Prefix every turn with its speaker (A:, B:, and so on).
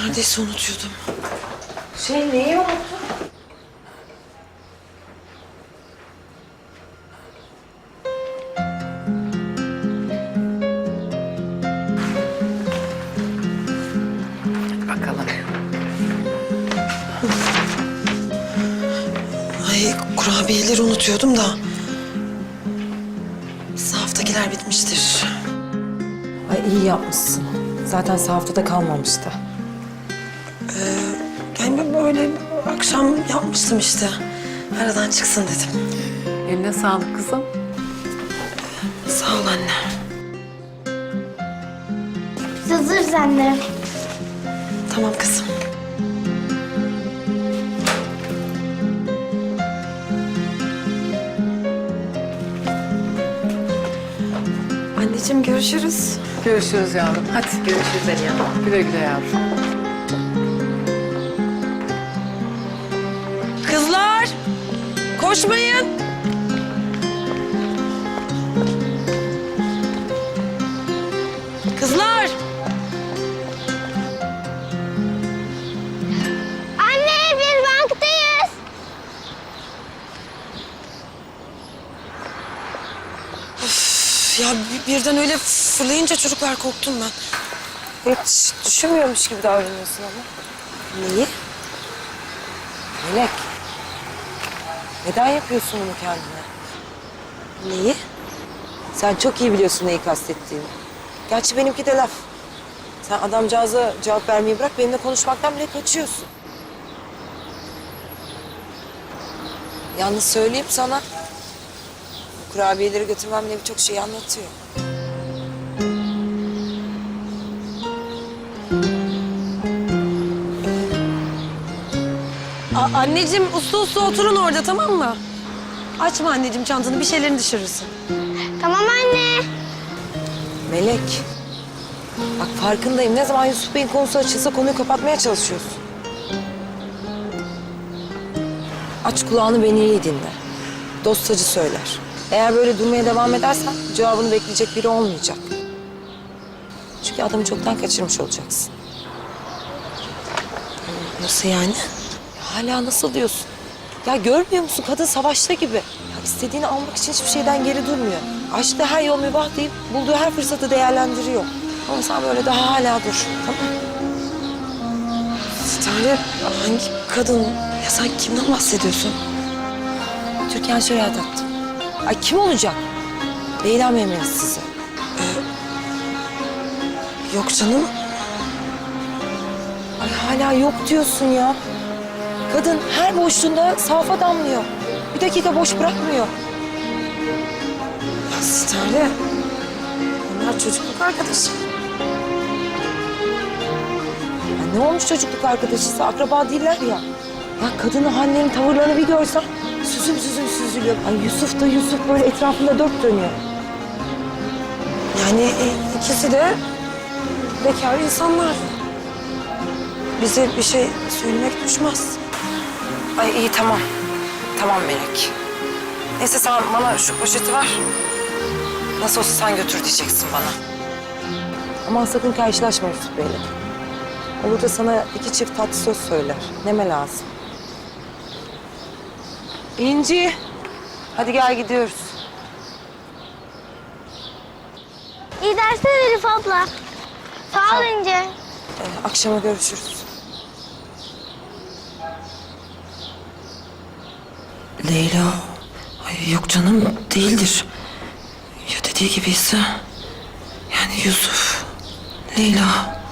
A: Neredeyse unutuyordum.
B: Neyi unuttun?
C: Bakalım.
A: Ay, kurabiyeleri unutuyordum da. Sahaftakiler bitmiştir.
B: Ay iyi yapmışsın. Zaten sahaftada kalmamıştı.
A: Yani böyle akşam yapmıştım işte. Aradan çıksın dedim.
C: Eline sağlık kızım.
A: Sağ ol anne.
D: Hazırız anne.
A: Tamam kızım. Anneciğim görüşürüz.
C: Görüşürüz yavrum. Hadi. Görüşürüz Aliye Hanım. Güle güle yavrum.
A: Kızlar! Koşmayın! Kızlar!
D: Anne biz banktayız.
A: Ya birden öyle fırlayınca çocuklar korktum ben.
B: Hiç düşünmüyormuş gibi davranıyorsun ama.
A: Neyi?
B: Melek. Neden yapıyorsun bunu kendine?
A: Neyi?
B: Sen çok iyi biliyorsun neyi kastettiğini. Gerçi benimki de laf. Sen adamcağıza cevap vermeyi bırak, benimle konuşmaktan bile kaçıyorsun. Yalnız söyleyeyim sana, bu kurabiyeleri götürmem bile birçok şeyi anlatıyor.
A: Anneciğim uslu uslu oturun orada, tamam mı? Açma anneciğim çantanı, bir şeylerini düşürürsün.
D: Tamam anne.
B: Melek, bak farkındayım. Ne zaman Yusuf Bey'in konusu açılsa konuyu kapatmaya çalışıyorsun. Aç kulağını, beni iyi dinle. Dostacı söyler. Eğer böyle durmaya devam edersen cevabını bekleyecek biri olmayacak. Çünkü adamı çoktan kaçırmış olacaksın.
A: Nasıl yani?
B: Hala nasıl diyorsun? Ya görmüyor musun? Kadın savaşta gibi. Ya istediğini almak için hiçbir şeyden geri durmuyor. Aşkta her yol mübah deyip bulduğu her fırsatı değerlendiriyor. Ama sen böyle daha hala dur. Tamam mı?
A: Stare, hangi kadın? Ya sen kimden bahsediyorsun?
B: Türkan Şoray'a taktım. Ay kim olacak? Leyla memnunuz size.
A: Yok canım.
B: Ay hala yok diyorsun ya. Kadın her boşluğunda safa damlıyor. Bir dakika boş bırakmıyor.
A: Ya Stare, onlar çocukluk arkadaşı.
B: Ya ne olmuş çocukluk arkadaşıysa, akraba değiller ya. Ya kadının Hanne'nin tavırlarını bir görsen süzüm süzüm süzülüyor. Ay Yusuf da Yusuf böyle etrafında dört dönüyor.
A: Yani ikisi de bekar insanlar. Bize bir şey söylemek düşmez.
B: Ay iyi tamam. Tamam Melek. Neyse sen bana şu poşeti ver. Nasıl olsa sen götür diyeceksin bana. Aman sakın karşılaşma Yusuf Bey'le. Olur da sana iki çift tatlı söz söyler. Neme lazım. İnci. Hadi gel gidiyoruz.
D: İyi dersler Elif abla. Sağ ol İnce.
B: Akşama görüşürüz.
A: Leyla, ay yok canım değildir. Ya dediği gibiyse, yani Yusuf, Leyla.